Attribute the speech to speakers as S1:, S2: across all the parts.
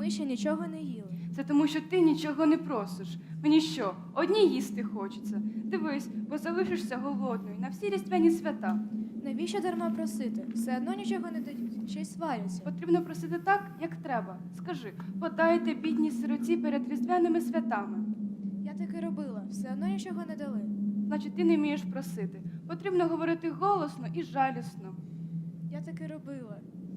S1: ми ще нічого не їли.
S2: Це тому, що ти нічого не просиш. Мені що, одній їсти хочеться? Дивись, бо залишишся голодною на всі різдвяні свята.
S1: Навіщо дарма просити? Все одно нічого не дають, ще й сваряться.
S2: Потрібно просити так, як треба. Скажи, подайте бідній сироті перед різдвяними святами.
S1: Я таки робила, все одно нічого не дали.
S2: Значить, ти не вмієш просити. Потрібно говорити голосно і жалісно.
S1: Я таки робила.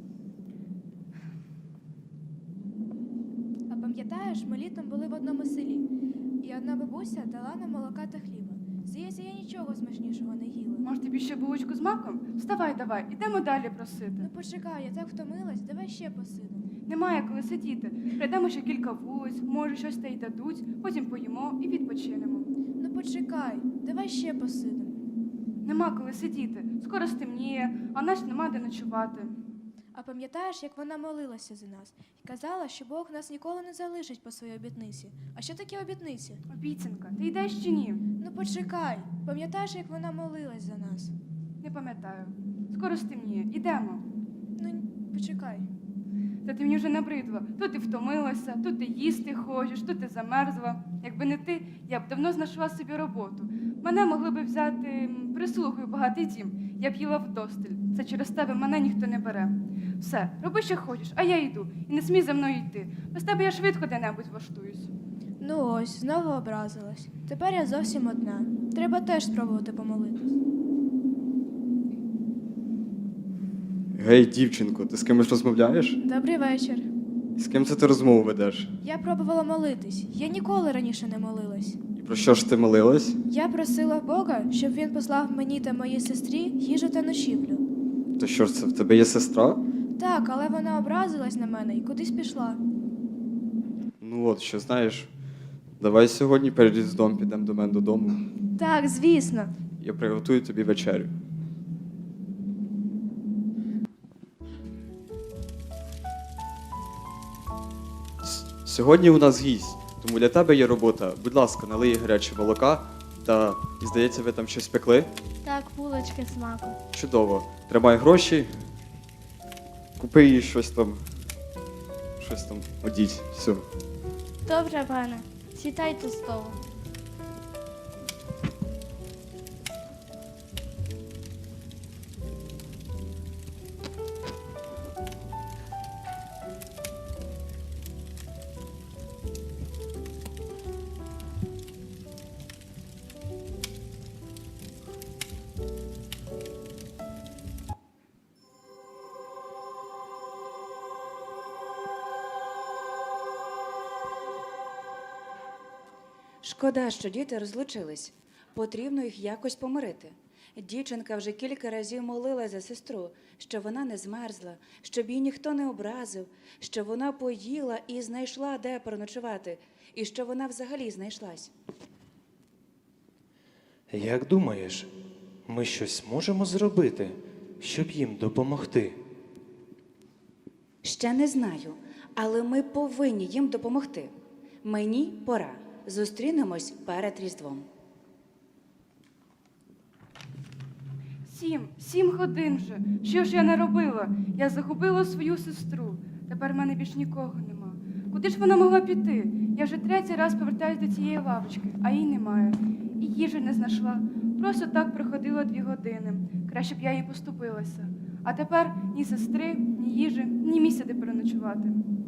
S1: А пам'ятаєш, ми літом були в одному селі, і одна бабуся дала нам молока та хліба. Здається, я нічого смачнішого не їла.
S2: Може, тобі ще булочку з маком? Вставай, давай, ідемо далі просити.
S1: Ну почекай, я так втомилась, давай ще посидимо.
S2: Немає коли сидіти. Пройдемо ще кілька вулиць, може, щось та й дадуть, потім поїмо і відпочинемо.
S1: Ну почекай, давай ще посидимо.
S2: Нема коли сидіти. Скоро стемніє, а нас нема де ночувати.
S1: А пам'ятаєш, як вона молилася за нас і казала, що Бог нас ніколи не залишить по своїй обітниці. А що таке обітниці?
S2: Обіцянка, ти йдеш чи ні?
S1: Ну почекай, пам'ятаєш, як вона молилась за нас?
S2: Не пам'ятаю. Скоро стемніє. Ідемо.
S1: Ну, почекай.
S2: Та ти мені вже набридла. Тут ти втомилася, тут ти їсти хочеш, тут ти замерзла. Якби не ти, я б давно знайшла собі роботу. Мене могли б взяти прислугою багатий дім. Я б їла вдосталь. Це через тебе мене ніхто не бере. Все, роби, що хочеш, а я йду. І не смій за мною йти. Без тебе я швидко де-небудь влаштуюсь.
S1: Ну ось, знову образилась. Тепер я зовсім одна. Треба теж спробувати помолитись.
S3: Гей, дівчинко, ти з кимось розмовляєш?
S1: Добрий вечір.
S3: З ким це ти розмову ведеш?
S1: Я пробувала молитись. Я ніколи раніше не молилась.
S3: І про що ж ти молилась?
S1: Я просила Бога, щоб він послав мені та моїй сестрі їжу та ночівлю.
S3: То що ж це, в тебе є сестра?
S1: Так, але вона образилась на мене і кудись пішла.
S3: Ну от, що знаєш, давай сьогодні перед Різдвом підемо до мене додому.
S1: Так, звісно.
S3: Я приготую тобі вечерю. Сьогодні у нас гість, тому для тебе є робота. Будь ласка, налий їй гаряче молока та, і здається, ви там щось пекли?
S4: Так, булочки з маком.
S3: Чудово. Тримай гроші, купи їй щось там, одіть. Все.
S4: Добре, пане. Сідайте з столу.
S5: Шкода, що діти розлучились. Потрібно їх якось помирити. Дівчинка вже кілька разів молила за сестру, щоб вона не змерзла, щоб її ніхто не образив, щоб вона поїла і знайшла, де переночувати, і щоб вона взагалі знайшлась.
S6: Як думаєш, ми щось можемо зробити, щоб їм допомогти?
S5: Ще не знаю, але ми повинні їм допомогти. Мені пора. Зустрінемось перед Різдвом.
S2: 7 годин вже. Що ж я наробила? Я загубила свою сестру. Тепер в мене більш нікого нема. Куди ж вона могла піти? Я вже 3-й раз повертаюсь до цієї лавочки, а її немає. І їжі не знайшла. Просто так проходила 2 години. Краще б я їй поступилася. А тепер ні сестри, ні їжі, ні місця, де переночувати.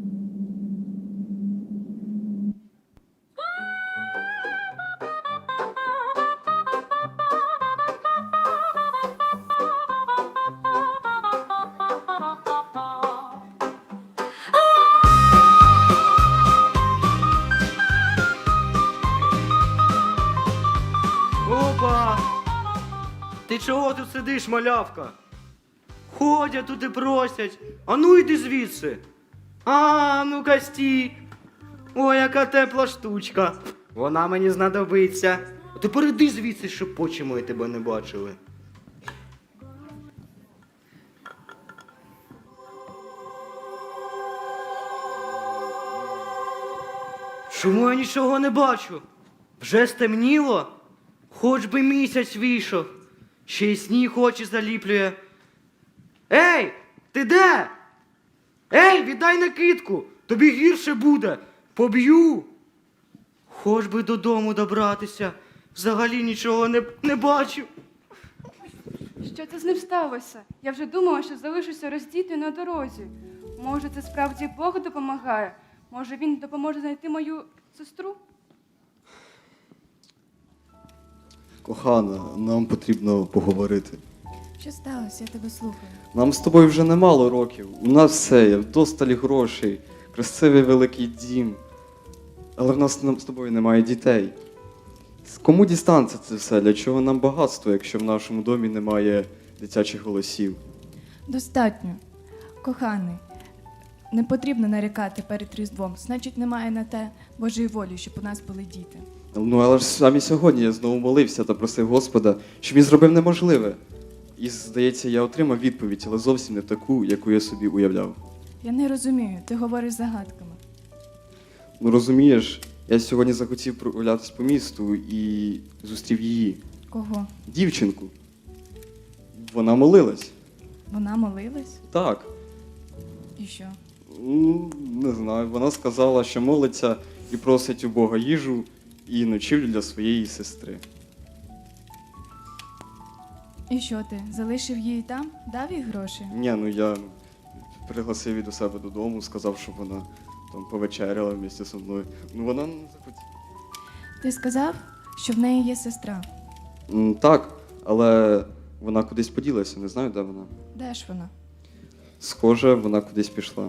S7: Опа! Ти чого тут сидиш, малявка? Ходять тут і просять. А ну йди звідси. А, ну-ка стій. Ой, яка тепла штучка. Вона мені знадобиться. А тепер іди звідси, щоб очі мої тебе не бачили. Чому я нічого не бачу? Вже стемніло? Хоч би місяць вийшов, ще й сніг очі заліплює. Ей, ти де? Ей, віддай накидку! тобі гірше буде. Поб'ю. Хоч би додому добратися. Взагалі нічого не бачу.
S2: Що це з ним сталося? Я вже думала, що залишуся роздітою на дорозі. Може, це справді Бог допомагає? Може, він допоможе знайти мою сестру?
S3: Кохана, нам потрібно поговорити.
S1: Що сталося? Я тебе слухаю.
S3: Нам з тобою вже немало років. У нас все є, вдосталь грошей, красивий великий дім. Але в нас з тобою немає дітей. Кому дістанеться це все? Для чого нам багатство, якщо в нашому домі немає дитячих голосів?
S8: Достатньо. Коханий, не потрібно нарікати перед Різдвом. Значить, немає на те Божої волі, щоб у нас були діти.
S3: Ну, але ж саме сьогодні я знову молився та просив Господа, щоб він зробив неможливе. І, здається, я отримав відповідь, але зовсім не таку, яку я собі уявляв.
S8: Я не розумію, ти говориш загадками.
S3: Ну, розумієш, я сьогодні захотів прогулятись по місту і зустрів її.
S8: Кого?
S3: Дівчинку. Вона молилась.
S8: Вона молилась?
S3: Так.
S8: І що?
S3: Ну, не знаю. Вона сказала, що молиться і просить у Бога їжу і ночівлю для своєї сестри.
S8: І що ти? Залишив її там? Дав їй гроші?
S3: Ні, ну я пригласив її до себе додому, сказав, щоб вона там повечеряла в місті зі мною. Ну вона не захотіла.
S8: Ти сказав, що в неї є сестра.
S3: Так, але вона кудись поділася, не знаю, де вона.
S8: Де ж вона?
S3: Схоже, вона кудись пішла.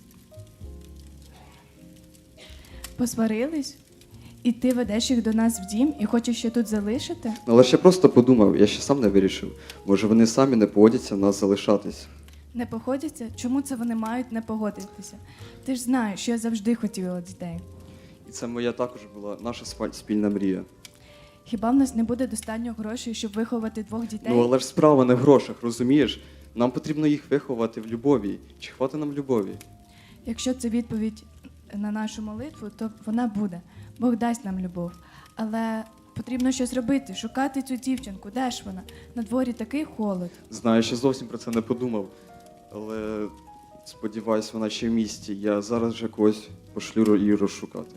S8: Посварились? І ти ведеш їх до нас в дім і хочеш ще тут залишити?
S3: Але ж я просто подумав, я ще сам не вирішив. Може вони самі не погодяться нас залишатись.
S8: Не погодяться? Чому це вони мають не погодитися? Ти ж знаєш, що я завжди хотіла дітей.
S3: І це моя також була наша спільна мрія.
S8: Хіба в нас не буде достатньо грошей, щоб виховати 2 дітей?
S3: Ну але ж справа не в грошах, розумієш? Нам потрібно їх виховати в любові. Чи хватить нам любові?
S8: Якщо це відповідь на нашу молитву, то вона буде. Бог дасть нам любов. Але потрібно щось робити, шукати цю дівчинку. Де ж вона? На дворі такий холод.
S3: Знаю, ще зовсім про це не подумав. Але сподіваюсь, вона ще в місті. Я зараз вже когось пошлю її розшукати.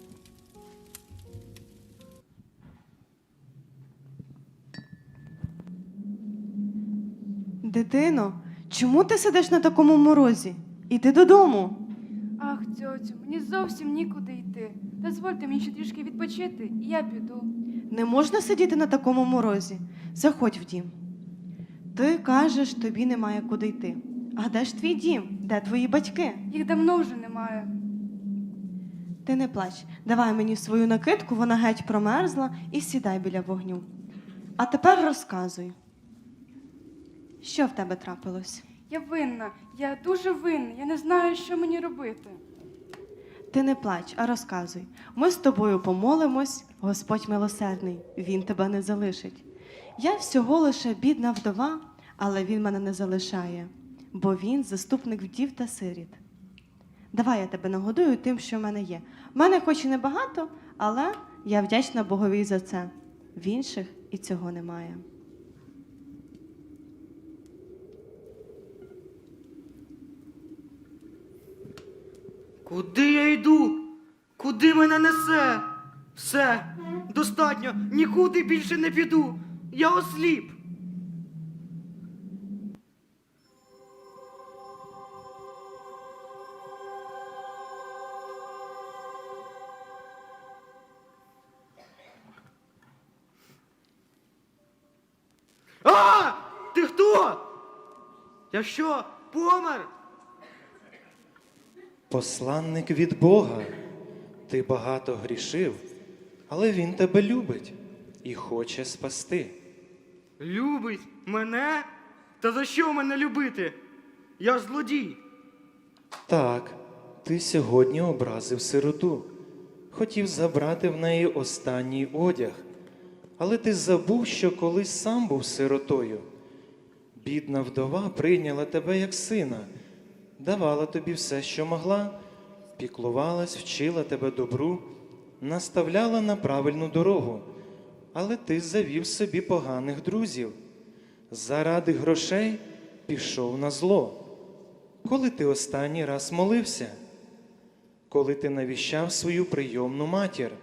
S9: Дитино, чому ти сидиш на такому морозі? Іди додому.
S2: Ах, тьотю, мені зовсім нікуди йти. Дозвольте мені ще трішки відпочити, і я піду.
S9: Не можна сидіти на такому морозі. Заходь в дім. Ти кажеш, тобі немає куди йти. А де ж твій дім? Де твої батьки?
S2: Їх давно вже немає.
S9: Ти не плач. Давай мені свою накидку, вона геть промерзла, і сідай біля вогню. А тепер розказуй. Що в тебе трапилось?
S2: Я винна, я дуже винна, я не знаю, що мені робити.
S9: Ти не плач, а розказуй. Ми з тобою помолимось, Господь милосердний, Він тебе не залишить. Я всього лише бідна вдова, але Він мене не залишає, бо Він заступник вдів та сиріт. Давай я тебе нагодую тим, що в мене є. В мене хоч і небагато, але я вдячна Богові за це. В інших і цього немає.
S7: Куди я йду? Куди мене несе? Все, достатньо, нікуди більше не піду. Я осліп. А! Ти хто? Я що, помер?
S6: Посланник від Бога. Ти багато грішив, але Він тебе любить і хоче спасти.
S7: Любить мене? Та за що мене любити? Я ж злодій.
S6: Так, ти сьогодні образив сироту. Хотів забрати в неї останній одяг. Але ти забув, що колись сам був сиротою. Бідна вдова прийняла тебе як сина, давала тобі все, що могла, піклувалась, вчила тебе добру, наставляла на правильну дорогу. Але ти завів собі поганих друзів. Заради грошей пішов на зло. Коли ти останній раз молився? коли ти навіщав свою прийомну матір?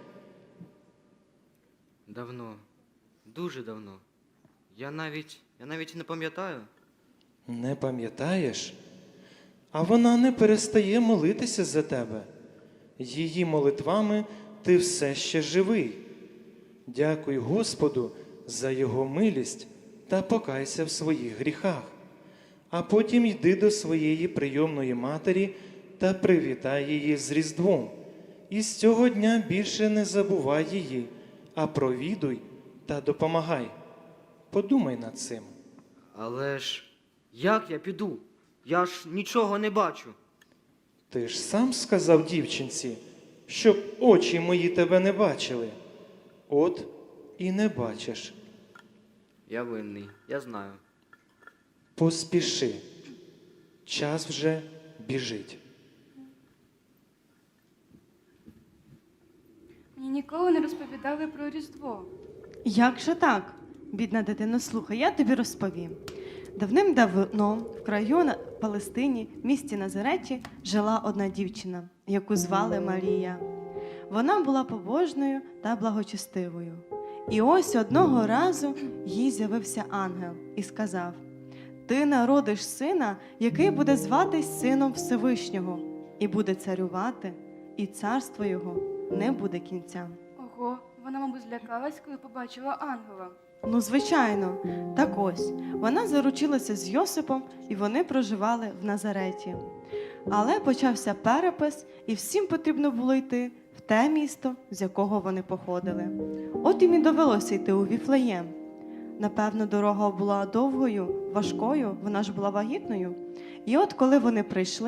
S7: Давно, дуже давно. Я навіть не пам'ятаю.
S6: Не пам'ятаєш? А вона не перестає молитися за тебе. Її молитвами ти все ще живий. Дякуй Господу за Його милість та покайся в своїх гріхах. А потім йди до своєї прийомної матері та привітай її з Різдвом. І з цього дня більше не забувай її, а провідуй та допомагай. Подумай над цим.
S7: Але ж як я піду? Я ж нічого не бачу.
S6: Ти ж сам сказав дівчинці, щоб очі мої тебе не бачили. От і не бачиш.
S7: Я винний, я знаю.
S6: Поспіши. Час вже біжить.
S2: Мені ніколи не розповідали про Різдво.
S9: Як же так? Бідна дитино, слухай, я тобі розповім. Давним-давно в краю на Палестині, місті Назареті, жила одна дівчина, яку звали Марія. Вона була побожною та благочестивою. І ось одного разу їй з'явився ангел і сказав: «Ти народиш сина, який буде зватись Сином Всевишнього, і буде царювати, і царство його не буде кінця».
S2: Ого, вона, мабуть, злякалась, коли побачила ангела.
S9: Ну, звичайно. Так ось, вона заручилася з Йосипом, і вони проживали в Назареті. Але почався перепис, і всім потрібно було йти в те місто, з якого вони походили. От їм і довелося йти у Віфлеєм. Напевно, дорога була довгою, важкою, вона ж була вагітною. І от коли вони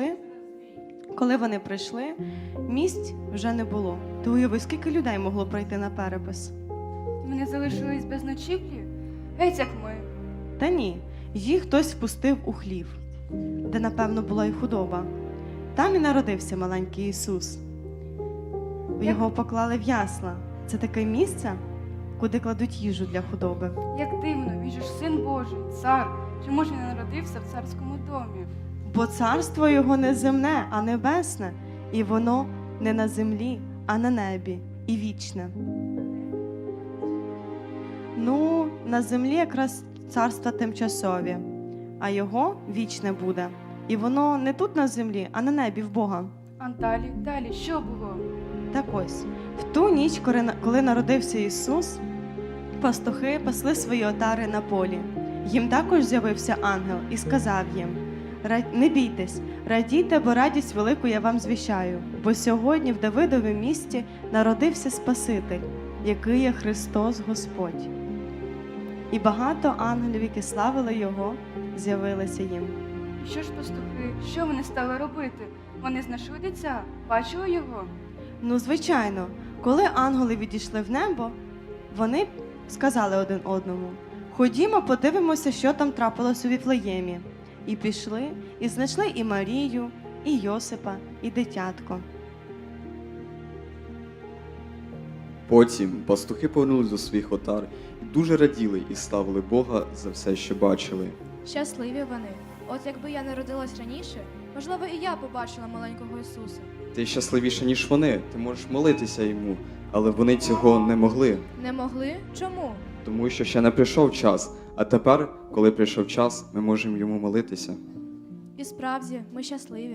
S9: прийшли, місць вже не було. Ти уяви, скільки людей могло пройти на перепис?
S2: Вони залишились без ночівлі? Геть як ми.
S9: Та ні, їх хтось впустив у хлів, де, напевно, була й худоба. Там і народився маленький Ісус. Його поклали в ясла. Це таке місце, куди кладуть їжу для худоби.
S2: Як дивно, він же ж син Божий, цар. Чому ж він не народився в царському домі?
S9: Бо царство його не земне, а небесне, і воно не на землі, а на небі, і вічне. Ну, на землі якраз царства тимчасові, а його вічне буде. І воно не тут на землі, а на небі в Бога.
S2: А далі, що було?
S9: Так ось, в ту ніч, коли народився Ісус, пастухи пасли свої отари на полі. Їм також з'явився ангел і сказав їм: «Не бійтесь, радійте, бо радість велику я вам звіщаю, бо сьогодні в Давидовім місті народився Спаситель, який є Христос Господь». І багато ангелів, які славили Його, з'явилися їм.
S2: І що ж пастухи, що вони стали робити? Вони знайшли дитя, бачили його?
S9: Ну, звичайно, коли ангели відійшли в небо, вони сказали один одному: «Ходімо, подивимося, що там трапилось у Віфлеємі». І пішли, і знайшли і Марію, і Йосипа, і дитятко.
S3: Потім пастухи повернулись до своїх отар і дуже раділи і славили Бога за все, що бачили.
S1: Щасливі вони. От якби я народилась раніше, можливо, і я побачила маленького Ісуса.
S3: Ти щасливіша, ніж вони, ти можеш молитися йому, але вони цього не могли,
S1: Не могли? Чому?
S3: тому що ще не прийшов час. А тепер, коли прийшов час, ми можемо йому молитися.
S1: І справді, ми щасливі.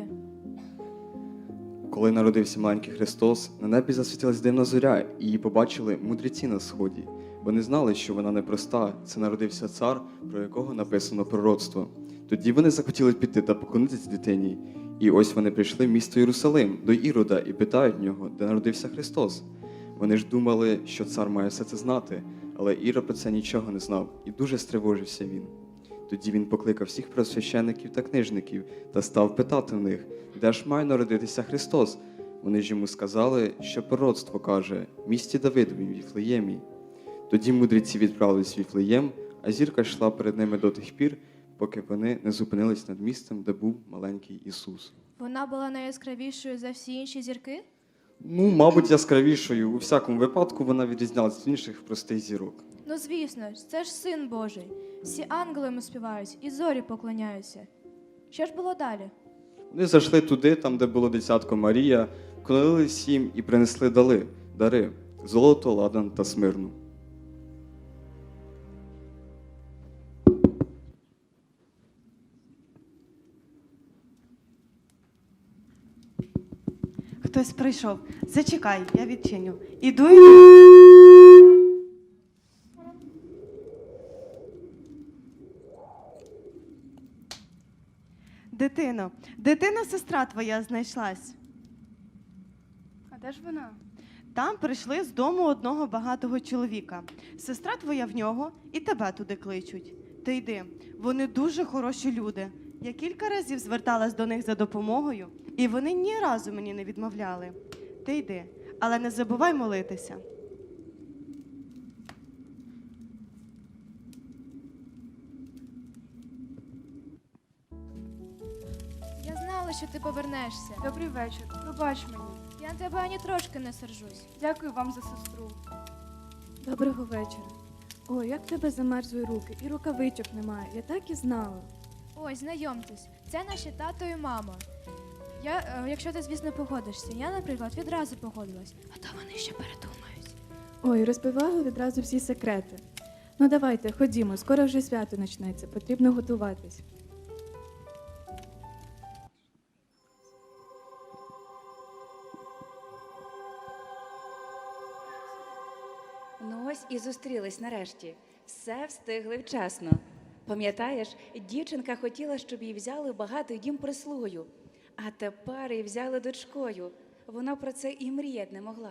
S3: Коли народився маленький Христос, на небі засвітилась дивна зоря, і її побачили мудреці на сході. Вони знали, що вона непроста, це народився цар, про якого написано пророцтво. Тоді вони захотіли піти та поклонитися дитині. І ось вони прийшли в місто Єрусалим, до Ірода, і питають в нього, де народився Христос. Вони ж думали, що цар має все це знати, але Ірод про це нічого не знав, і дуже стривожився він. Тоді він покликав всіх первосвящеників та книжників та став питати в них, де ж має народитися Христос. Вони ж йому сказали, що пророцтво каже: в місті Давидовім, Віфлеємі. Тоді мудреці відправились в Віфлеєм, а зірка йшла перед ними до тих пір, поки вони не зупинились над місцем, де був маленький Ісус.
S1: Вона була найяскравішою за всі інші зірки?
S3: Ну, мабуть, яскравішою. У всякому випадку вона відрізнялась від інших простих зірок.
S1: Ну, звісно ж, це ж Син Божий. Всі ангели йому співають і зорі поклоняються. Що ж було далі?
S3: Вони зайшли туди, там, де було дитятко Марія. вклонились їм і принесли дари – золото, ладан та смирну.
S9: Хтось прийшов. Зачекай, я відчиню. Іду. Дитино, сестра твоя знайшлась.
S2: А де ж вона?
S9: Там прийшли з дому одного багатого чоловіка. Сестра твоя в нього і тебе туди кличуть. Ти йди, вони дуже хороші люди. Я кілька разів зверталась до них за допомогою, і вони ні разу мені не відмовляли. Ти йди, але не забувай молитися.
S1: Я знала, що ти повернешся.
S2: Добрий вечір. Пробач мені.
S1: Я на тебе ані трошки не сержусь.
S2: Дякую вам за сестру.
S8: Доброго вечора. Ой, як в тебе замерзли руки, і рукавичок немає. Я так і знала.
S1: Ось, знайомтесь, це наші тато і мама. Якщо ти, звісно, погодишся. Я, наприклад, відразу погодилась, а то вони ще передумають.
S8: Ой, розбивали відразу всі секрети. Ну давайте, ходімо, скоро вже свято почнеться, потрібно готуватись.
S5: Ну ось і зустрілись нарешті. Все встигли вчасно. Пам'ятаєш, дівчинка хотіла, щоб її взяли в багатий дім прислугою, а тепер її взяли дочкою. Вона про це і мріяти не могла.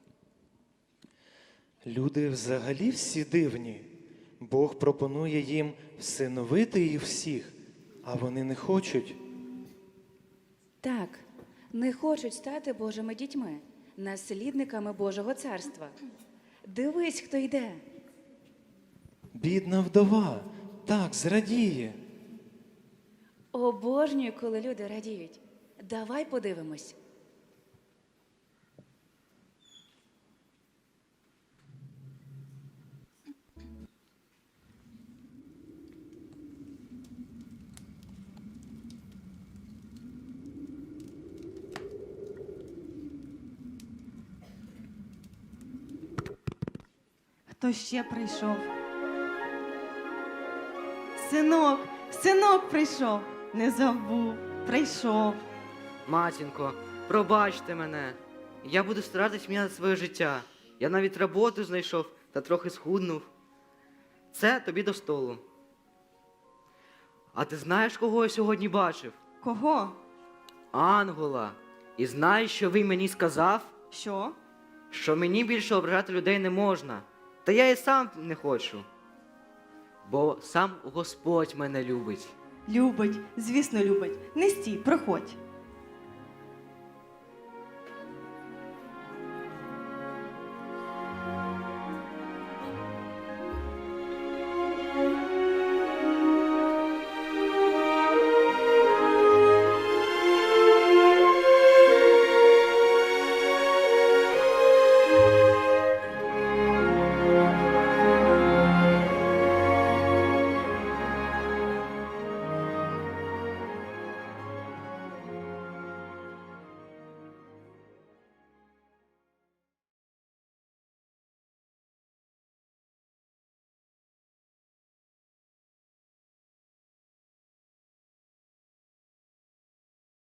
S6: Люди взагалі всі дивні. Бог пропонує їм всиновити їх всіх, а вони не хочуть.
S5: Так, не хочуть стати Божими дітьми, наслідниками Божого царства. Дивись, хто йде.
S6: Бідна вдова так зрадіє.
S5: Обожнюю, коли люди радіють. Давай подивимось.
S9: Хто ще прийшов? Синок прийшов. Не забув, прийшов.
S7: Матінко, пробачте мене. Я буду старатись міняти своє життя. Я навіть роботу знайшов та трохи схуднув. Це тобі до столу. А ти знаєш, кого я сьогодні бачив?
S9: Кого?
S7: Ангела. І знаєш, що він мені сказав?
S9: Що?
S7: Що мені більше ображати людей не можна. Та я і сам не хочу. Бо сам Господь мене любить.
S9: Любить, звісно, любить. Не стій, проходь.